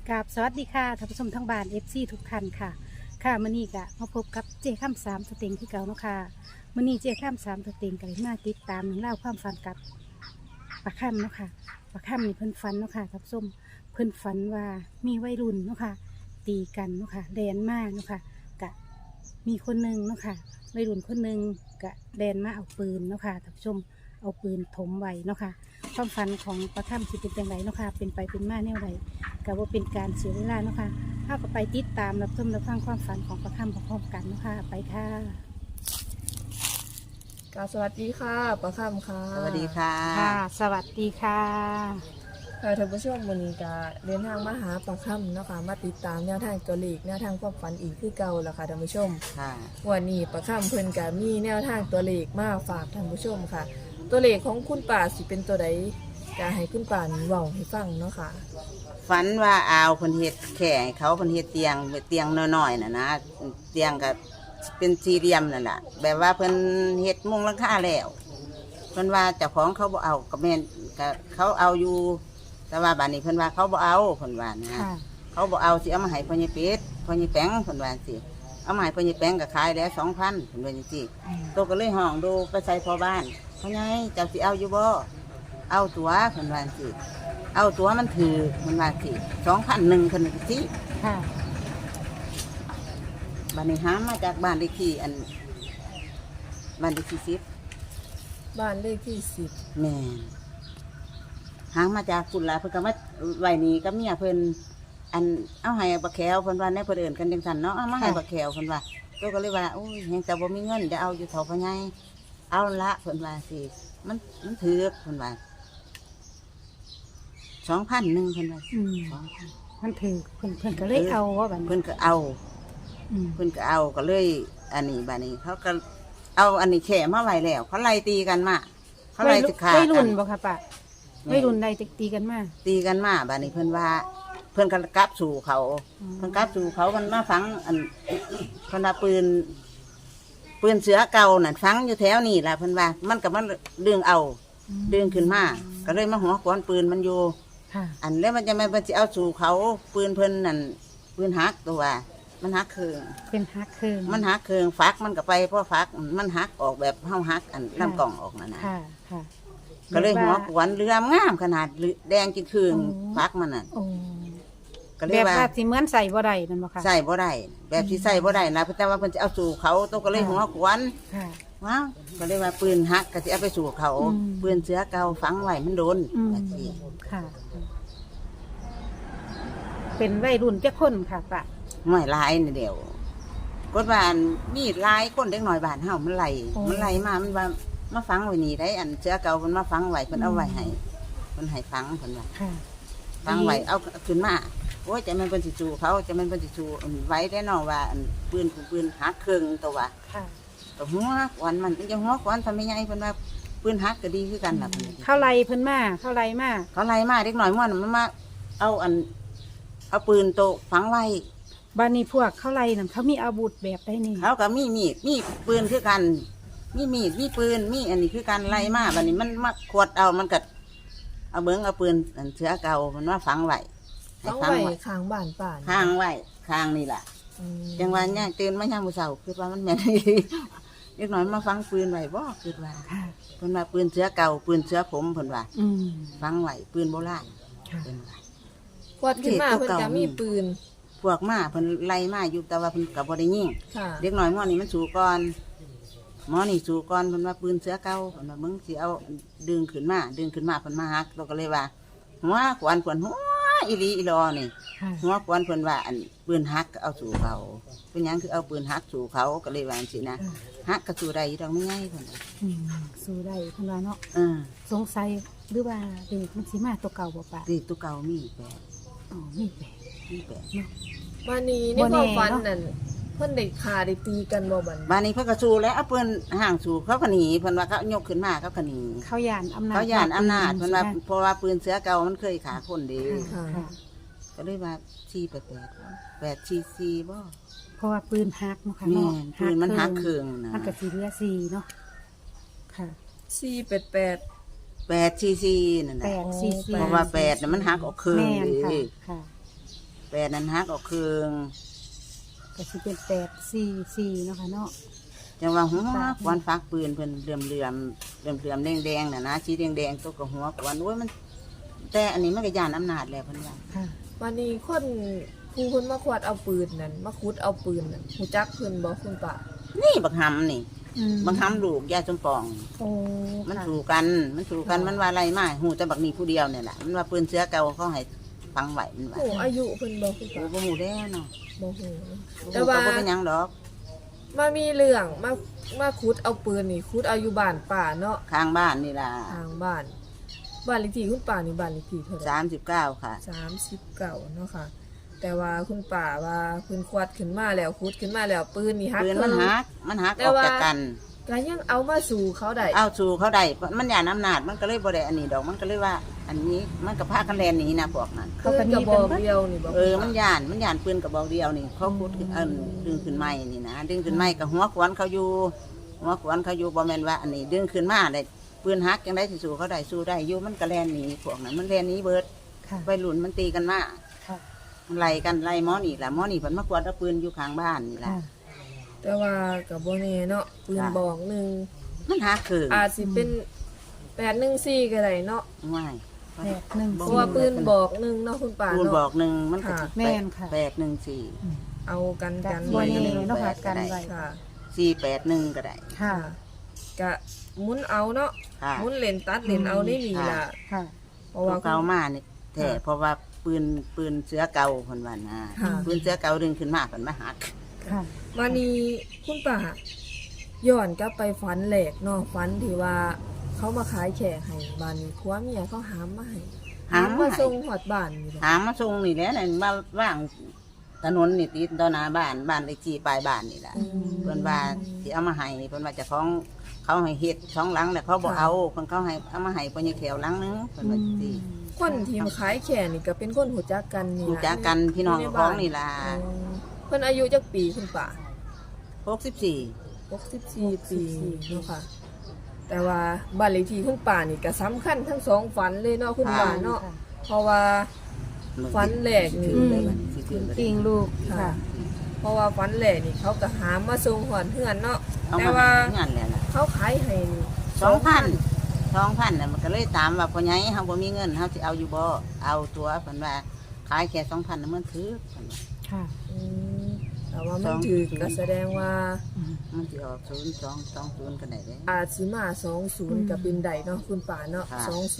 กับสวัสดีค่ะท่านผู้ชมทั้งบ้านFCทุกท่านค่ะค่ะมื้อนี้ก็มาพบกับเจ้ข้ามสามสเต็งที่เก่าเนาะค่ะมื้อนี้เจ้ข้ามสามสเต็งก็เลยมาติดตามเรื่องเล่าวความฝันกับปลาค่ำเนาะค่ะปลาค่ำนี่เพิ่นฝันเนาะค่ะท่านผู้ชมเพิ่นฝันว่ามีวัยรุ่นเนาะค่ะตีกันเนาะค่ะแดนมากเนาะค่ะกะมีคนหนึ่งเนาะค่ะวัยรุ่นคนหนึ่งกะแดนมาเอาปืนเนาะค่ะท่านผู้ชมเอาปืนถมไว้เนาะค่ะความฝันของปลาค่ำสิเป็นจังไรเนาะค่ะเป็นไปเป็นมาแนวใด ก็ว่าเป็นการเสียเวลาเนาะค่ะถ้าก็ไปติดตามรับชมรับฟังความฝันของประคำพร้อมๆกันเนาะค่ะไปค่ะสวัสดีค่ะประคำค่ะสวัสดีค่ะค่ะ สวัสดีค่ะค่ะท่านผู้ชมวันนี้ก็เดินทางมาหาประคำเนาะค่ะมาติดตามแนวทางตัวเลขแนวทางความฝันอีกคือเก่าแล้วค่ะท่านผู้ชมค่ะวันนี้ประคำเพิ่นก็มีแนวทางตัวเลขมาฝากท่านผู้ชมค่ะ ตัวเลขของคุณป่าสิเป็นตัวใดจะให้คุณป่านี่เว้าให้ฟังเนาะค่ะฝันว่าอาวเพิ่นเฮ็ดแข่ให้เขาเพิ่นเฮ็ดเตียงน้อยๆน่ะนะเตียงก็เป็นสี่เหลี่ยมนั่นแหละแบบว่าเพิ่นเฮ็ดมุงหลังคาแล้วเพิ่นว่าเจ้าของเขาบ่เอาก็แม่นก็เขาเอาอยู่ แต่ว่าบัดนี้เพิ่นว่าเขาบ่เอาเพิ่นว่านะค่ะเขาบ่เอาสิเอามาให้พ่อใหญ่เป็ดพ่อใหญ่แป้งเพิ่นว่าสิเอามาให้พ่อใหญ่แป้งก็ขายแล้ว 2,000 เพิ่นว่าจังซี่โตก็เลยห้องดูไปใส่พ่อบ้านพ่อใหญ่เจ้าสิเอาอยู่บ่เอาตัวเพิ่นว่าจังซี่เอาตัวมันถือมันว่าสิ2,001เพิ่นว่าจังซี่ค่ะบัดนี้หามาจากบ้านเลขที่บ้านเลขที่10 บ้านเลขที่แม่นหางมาจากคุณล่ะเพิ่นก็มาไว้นี่กับเมียเพิ่นอันเอาให้บักแขวเพิ่นว่าในเพิ่นเอิ้นกันจังซั่นเนาะเอามาให้บักแขวเพิ่นว่าตัวก็เลยว่าโอ้ยแฮงแต่บ่มีเงินจะเอาอยู่เท่าพ่อใหญ่เอาละเพิ่นว่าสิมันถือเพิ่นว่า2,001เพิ่นว่าอืม 2,000 มันถือเพิ่นก็เลยเอาว่าบัดเพิ่นก็เอาอืมเพิ่นก็เอาก็เลย อันนี้บัดนี้เขาก็เอาอันนี้แข่มาไว้แล้ว เขาไล่ตีกันมาเขาไล่สิขากัวัยรุ่นนบ่ค่ะป้าวัยรุ่นใดตีกันมาตีกันมาบัดนี้เพิ่นว่า เพิ่นก็กลับสู่เขาอืมเพิ่นกลับสู่เขามันมาฝังอันเพิ่นว่าปืนเสือเก่านั่นฝังอยู่แถวนี่ล่ะเพิ่นว่า มันก็มันดึงเอาดึงขึ้นมาก็เลยมาหัวขวานปืนมันอยู่ค่ะอันแล้วมันจะมาเพิ่นสิเอาสู่เขาปืนเพิ่นนั่นปืนหักตัวมันหักเครื่องเป็นฮักเคิงมันหักเครื่องฟักมันก็ไปเพราะฟักมันหักออกแบบเฮาหักอันลำกล่องออกนั่นน่ะค่ะค่ะก็เลยหัวขวานเรืองามขนาดแดงจิคืนอ๋อฟักมันน่ะโอ้ก็เลแบยบว่าว่าสิเหมือนใส่บ่ได้นั่นบ่ค่ะใส่บ่ได้แบบที่ใส่บ่ได้นะแต่ว่าเพิ่นจะเอาสู่เขาตัวก็เลยหัวขวานค่ะว้าวก็เลยว่าปืนหักก็สิเอาไปสู่เขาอืมปืนเสือเก่าฝังไว้มันโดนอืมว่าสิค่ะ เป็นวัยรุ่นจักคนค่ะป้าหน่อยหลายนี่เดียวกดว่าอันมีหลายคนเด็กน้อยบ้านเฮามันไล่มามันว่ามาฝังไว้นี่ได้อันเสือเก่าเพิ่นมาฝังไว้เพิ่นเอาไว้ให้เพิ่นให้ฝังเพิ่นว่าค่ะฟังไว้เอาขึ้นมาโอ้ยจะมันเป็นสิจูเขาจะมันเป็นสิจูไว้ได้นอว่าอันปืนหักเครื่องตัวว่าค่ะตัวหัวขวานมันจะหัวขวานทำไม่ไงเพิ่นว่าปืนหักก็ดีคือกันล่ะเข้าไล่เพิ่นมาเข้าไล่มาเขาไล่มาเด็กหน่อยมันมาเอาเอาปืนโตฝังไว้บ้านนี้พวกเข้าไล่นั่นเขามีอาวุธแบบได้นี่เขาก็มีมีดมีปืนคือกันมีมีดมีปืนมีอันนี้คือกันไล่มาบัดนี้มันมาขวดเอามันก็เอาเบิ้งเอาปืนอันเสือเก่ามันมาฝังไว้ให้ต้องไว้ข้างบ้านป่าข้างไว้ข้างนี่แหละอืมจังหวะเนี่ยตื่นมาย่างมือเสาคือว่ามันแม่น เล็กน้อยมาฟังปืนไว้บ่คือว่าค่ะเพิ่นว่าปืนเสือเก่าปืนเสือผมเพิ่นว่าอืมฟังไว้ปืนโบราณค่ะเพิ่นว่าพอดขึ้นมาเพิ่นจะมีปืนพวกมาเพิ่นไล่มาอยู่แต่ว่าเพิ่นก็บ่ได้ยิงค่ะเด็กน้อยหม้อนี่มันสู่ก่อนหม้อนี่สู่ก่อนเพิ่นว่าปืนเสือเก่าเพิ่นว่ามึงสิเอาดึงขึ้นมาเพิ่นมาหักเราก็เลยว่าหัวขวานหัวอีหลีอีหลอนี่ค่ะหัวขวานเพิ่นว่าอันปืนหักก็เอาสู่เขาเป็นหยังคือเอาปืนหักสู่เขาก็เลยว่าจังซี่นะหักก็สู่ได้อยู่ดอกไม่ง่ายเพิ่นว่าอืมสู้ได้เพิ่นว่าเนาะอ่าสงสัยหรือว่าเด็กมันสิมาตัวเก่าบ่ปะตีตัวเก่ามีแปดอ๋อมีแปลกมีแปดบ้านนี้ในบ่คแน่วามฝันเนาะนั่นเพิ่นได้ฆ่าได้ตีกันบ่บัดบ้านนี้เพิ่นก็สู้แล้วเอาปืนห่างสู้เขาก็หนีเพิ่นว่าเขายกขึ้นมาเขาก็หนีเขาย่านอำนาจเขาย่านอำนาจเพิ่นว่าใช่ไหมเพราะว่าปืนเสือเก่ามันเคยขาคนเดีค่ะค่ะก็เลยว่า8ชีซีบ่เพราะว่าปืนฮักเนาะค่ะแม่เนาะนปืนมันหักเครื่องนะมันก็สิเหลือ4เนาะค่ะ 488 8ชีซีนั่นแปน่ะดซีซีเพราะว่า8น่ะมันหักออกเครื่องแม่นเด้ค่ะค่ะ 8นั้นหักออกครึ่งก็สิเป็น844เนาะค่ะเนาะจังว่าหัวควันฟักปืนเพิ่นเหลื่อมแดงๆน่ะนะสีแดงๆตัวก็หัวควันโอ้ยมันแต่อันนี้มันก็ย่านอำนาจแล้วเพิ่นว่าค่ะวันนี้คนผู้เพิ่นมาขวดเอาปืนนั่นมาขุดเอาปืนนั่นฮู้จักเพิ่นบ่คุณป้านี่บักหำนี่อืมบักหำลูกยายสมปองโอ้มันค่ะถูกกันมันว่าอะไรมาหูแต่บักนี้ผู้เดียวเนี่ยแหละมันว่าปืนเสือเก่าเขาให้ฟังไหวมันว่าโอ้อายุเพิ่นบ่คุณโอ้ป้าบ่หูแล้วเนาะบ่ฮู้ แต่แต่ว่าว่าบ่เป็นหยังดอกมามีเรื่องมาขุดเอาปืนนี่ขุดเอาอยู่บ้านป้าเนาะข้างบ้านนี่ล่ะทางบ้านเลขที่คุณป้านี่บ้านเลขที่เท่าไหร่ 39ค่ะ 39เนาะค่ะ แต่ว่าคุณป้าว่าเพิ่นควัดขึ้นมาแล้วขุดขึ้นมาแล้วปืนนี่หักปืนมันหักแต่ออกว่าจากกันก็ยังเอามาสู่เขาได้เอาสู่เขาได้มันย่านอำนาจมันก็เลยบ่ได้อันนี้ดอกมันก็เลยว่า อันนี้มันก็พากันแล่นหนีนะพวกนั้นคือกระบอกเดียวนี่บ่มันย่านปืนกระบอกเดียวนี่เขาพูดขึ้นดึงขึ้นไม้นี่นะดึงขึ้นไม้กับหัวขวานเขาอยู่บ่แม่นว่าอันนี้ดึงขึ้นมาได้ปืนหักจังได๋สิสู้เขาได้สู้ได้อยู่มันก็แล่นหนีพวกนั้นมันแล่นหนีเบิดค่ะวัยรุ่นมันตีกันมาค่ะมันไล่กันไล่หมอนี่ล่ะหมอนี่เพิ่นมากวาดเอาปืนอยู่ข้างบ้านนี่ล่ะค่ะแต่ว่าก็บ่แน่เนาะปืนบอกหนึงมันหักคืออาจสิเป็น814ก็ได้เนาะง่าย 814 เพราะว่าปืนบอกหนึงเนาะคุณป้าปืนบอเนาะกหนึ่งมันก็ค่ะแม่นค่ะ 814 เอากันกักัน นบ่ไว้แน่เนาะเนาะค่ะกันไว้ค่ะ 481ก็ได้ค่ะก็หมุนเอาเนาะค่ะหมุนเล่นตัดเล่นเอาได้นี่ล่ะค่ะเพราะว่าเก่ามานี่แท้เพราะว่าปืนเสือเก่าเพิ่นว่านะค่ะปืนเสือเก่าดึงขึ้นมาเพิ่นมาหักค่ะวันนี้คุณป้าย้อนกลับไปฝันแหลกเนาะฝันที่ว่าเขามาขายแขกให้บ้านนี้ผัวเมียเขาหามมาให้หามมาส่งหอดบ้านนี่แหละหามาส่งนี่แหละนั่นมาว่างถนนนี่ติดต่อหน้าบ้านเลขที่ปลายบ้านนี่ล่ะ เพิ่นว่าสิเอามาให้เพิ่นว่าเจะของเขาให้เฮ็ดช่องหลังแต่เขาบ่เอาเพิ่นเขาให้เอามาให้เพิ่นยังแถวหลังนึงเพิ่นว่าสิคนที่มาขายแขกนี่ก็เป็นคนหูจักกันนี่รู้ล่ะจักกันพี่น้องของนี่ล่ะอืมเพิ่นอายุจักปีคุณป้า 64 64 ปีเนาะค่ะ แต่ว่าบ้านเลขที่คุณป้านี่ก็สำคัญทั้งสองฝันเลยเนาะคุณป้าเนาะเพราะว่า ฝันแรกนี่ถือเลยบัดสิถือเลยปิงลูกค่ะค่ะเพราะว่าฝันแรกนี่เขาก็หามาส่งหอนเฮือนเนาะเอาแต่มาว่าให้งานแล้วล่ะเขาขายให้นี่ 2,000น่ะมันก็เลยถามว่าพ่อใหญ่เฮาบ่มีเงินเฮาสิเอาอยู่บ่เอาตัวเพิ่นว่าขายแค่ 2,000น่ะมันถือเพิ่นว่าค่ะอืมแต่ว่ามันถือก็แสดงว่ามันสิออก0220ก็ได้เด้อาจสิมา20ก็เป็นได้เนาะคุณป่าเนาะค่ะ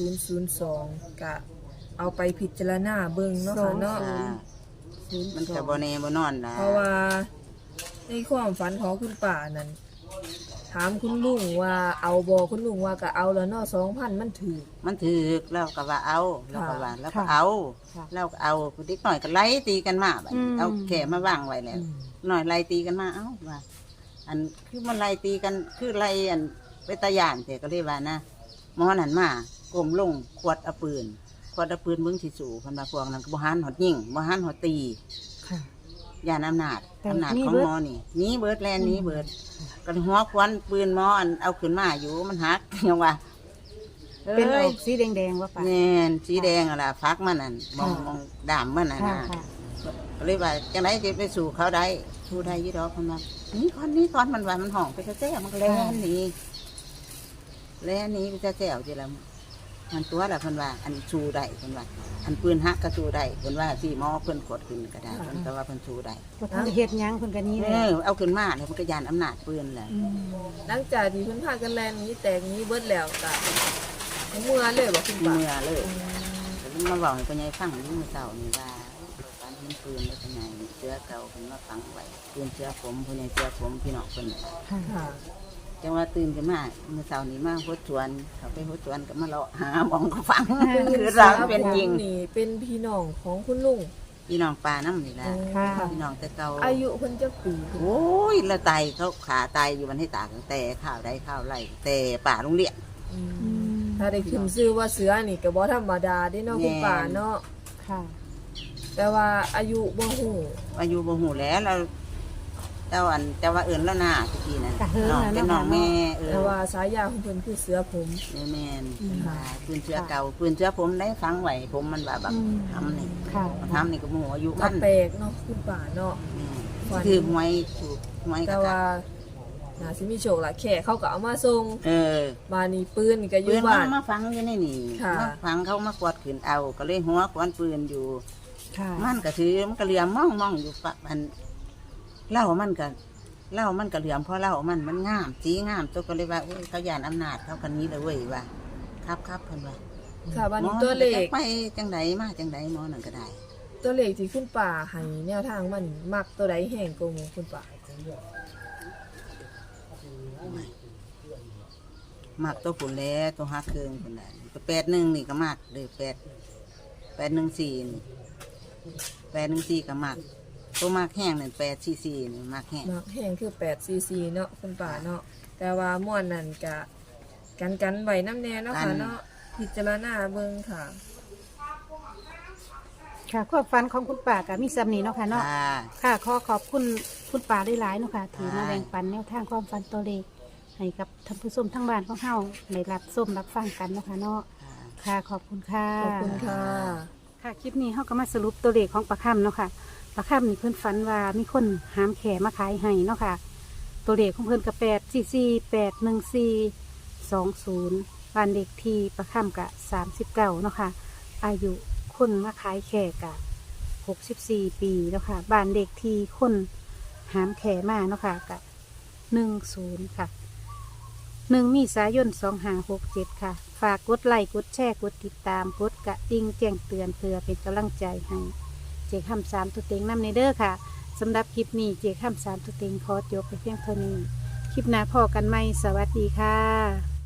2002ก็เอาไปพิจารณาเบิ่งเนาะค่ะเนาะอ่ามันก็บ่แน่บ่นอนล่ะเพราะว่าในความฝันของคุณป่านั้นถามคุณลุงว่าเอาบ่คุณลุงว่าก็เอาแล้วเนาะ2,000มันถือมันถือแล้วก็ว่าเอาแล้วก็ว่าแล้วก็เอาค่ะแล้วก็เอาผู้เด็กหน่อยก็ไล่ตีกันมาบัดนี้อืมเอาแขมาวางไว้แล้วหน่อยไล่ตีกันมาเอ้าว่า อันคือมันไล่ตีกันคือไล่อันไปตะยานแต่ก็เลยว่านะหมอนั่นมากลมลงขวดเอาปืนเบิ่งสิสู่เพิ่นว่าพวกนั้นก็บ่หันหอดยิงบ่หันหอดตีค่ะย่านอำนาจแต่ของเบิดหมอนี่หนีเบิดแลนหนีเบิดก็หัวควันปืนหมออันเอาขึ้นมาอยู่มันหัก ยังว่าเป็นออ้อย กสีแดงๆว่าป่ะแน่นสีแดงอะล่ะฟักมันนั่นมองค่ะมองดามมันน่ะค่ะนะค่ะก็เลยว่าจังไดจะไปสู่เขาได้สู่ได้ยี่ดอกมันว่านี่ก่อนมันว่ามันห้องไปแจ้มันก็แล่นหนีไปแจ้จีละมันตัวละเพิ่นว่าอันสู่ได้เพิ่นว่า อันปืนฮักก็สู่ได้เพิ่นว่าสิหมอเพิ่นกดขึ้นก็ได้เพิ่นก็ว่าเพิ่นสู่ได้บ่ทันได้เฮ็ดหยังเพิ่นก็หนี้เลยเอาขึ้นมาแล้วมันก็ยานอำนาจปืนแหละหลังจากที่เพิ่นพากันแล่นหนี้แตกหนี้เบิดแล้วก็เมื่อเลยบ่คุณป่าเมื่อเลยแต่มาบอกให้พ่อใหญ่ฟังนี่มื้อเช้านี่ว่าการเห็นปืนแล้วเป็นไงเสือเก่าเพิ่นมาฝังไว้ปืนเสือผมพ่อใหญ่เสือผมพี่น้องเพิ่นน่ะค่ะค่ะจังว่าตื่นขึ้นมาเมื่อเช้านี้มาหดสวนเขาไปหดสวนก็มาเลาะหาหมองก็ฟัง คือเราเป็นจริงนี่เป็นพี่น้องของคุณลุงพี่น้องปลาน้ำนี่แหละค่ะพี่น้องแต่เก่าอายุเพิ่นจักปีคุณโอ้ยละไตเขาขาตายอยู่วันให้ตากแต่ข้าวได้ข้าวไรแต่ป่าโรงเรียนอืมถ้าได้ขึ้นชื่อว่าเสือนี่ก็บ่ธรรมดาเด้เนาะคุณป่าเนาะค่ะแต่ว่าอายุบ่ฮู้อายุบ่หูแล้วเราเจ้าว่าเอิ้นแล้วหน้าตะกี้นั่นกะเฮิงน้องน่ะเป็นเนาะน้องแม่เออแต่ว่าสายยาของเพิ่นคือเสือผมแม่นอืมว่าปืนเชื้อเก่าปืนเชื้อผมได้ฟังไว้ผมมันว่าแบบอืมทำนี่ค่ะทำนี่ก็หมู่อายุก็มันแปลกเนาะคุณป่าเนาะ ฝันคือหวยถูกหวยกแต่ระว่าน่าสิมีโชคละแค่เขาก็เอามาส่งเออบ้านนี้ปืนนี่ก็อปืยู่นบ้านมาฟังอยู่ในนี่ค่ะมาฟังเขามากวาดขืนเอาก็เลยหัวกวนปืนอยู่ค่ะมันก็ถือมันก็เหลี่ยมมองอยู่ปะมันเหล่ามันก็เหลี่ยมเพราะเหล่ามันงามสีงามตัวก็เลยว่าโอ้ยเขายานอำนาจเขากันนี้เลยเว้ยว่าครับเพิ่นว่าค่ะบ้านหมอนี้ตัวเลขจะไปจังไดมาจังไดหมอนั่นก็ได้ตัวเลขที่คุณป่าให้แนวทางมันมักตัวใดแห่งกว่าหมู่คุณป่ามักตัวผุนแล้วตัวฮักเครื่องคนใดตัว81นี่ก็มักเลย814นี่814ก็มักตัวมักแห้งนั่น844นี่มักแห้งมักแห่งคือ844เนาะคุณป่าเนาะแต่ว่าม่วนนั่นก็กันไว้น้ำแน่เนาะค่ะเนาะพิจารณาเบิ่งค่ะค่ะความฝันของคุณป่ากับมีซ้ำนี้เนาะค่ะเนาะค่ะค่ะขอขอบคุณคุณป่าได้หลายๆเนาะค่ะถือมาค่ะแบ่งปันแนวทางความฝันตัวเลขให้กับท่านผู้ชมทั้งบ้านของเฮาได้รับส้มรับฟังกันเนาะค่ะเนาะค่ะขอบคุณค่ะขอบคุณค่ะค่ะคลิปนี้เฮาก็มาสรุปตัวเลขของปลาค่ำเนาะค่ะปลาค่ำนี่เพิ่นฝันว่ามีคนหามแขมาขายให้เนาะค่ะ ตัวเลขของเพิ่นก็8448142บ้านเด็กที่ปลาค่ำกะ39เนาะค่ะอายุคนมาขายแขกะ64 ปีเนาะค่ะบ้านเด็กที่คนหามแขมาเนาะค่ะกะ10ค่ะ1 เมษายน 2567 ค่ะ ฝากกดไลค์กดแชร์กดติดตามกดกระดิ่งแจ้งเตือนเพื่อเป็นกำลังใจให้เจ๊คำ3ตัวเต็งนำในเด้อค่ะสำหรับคลิปนี้เจ๊คำ3ตัวเต็งขอจบไปเพียงเท่านี้ คลิปหน้าพอกันไหมสวัสดีค่ะ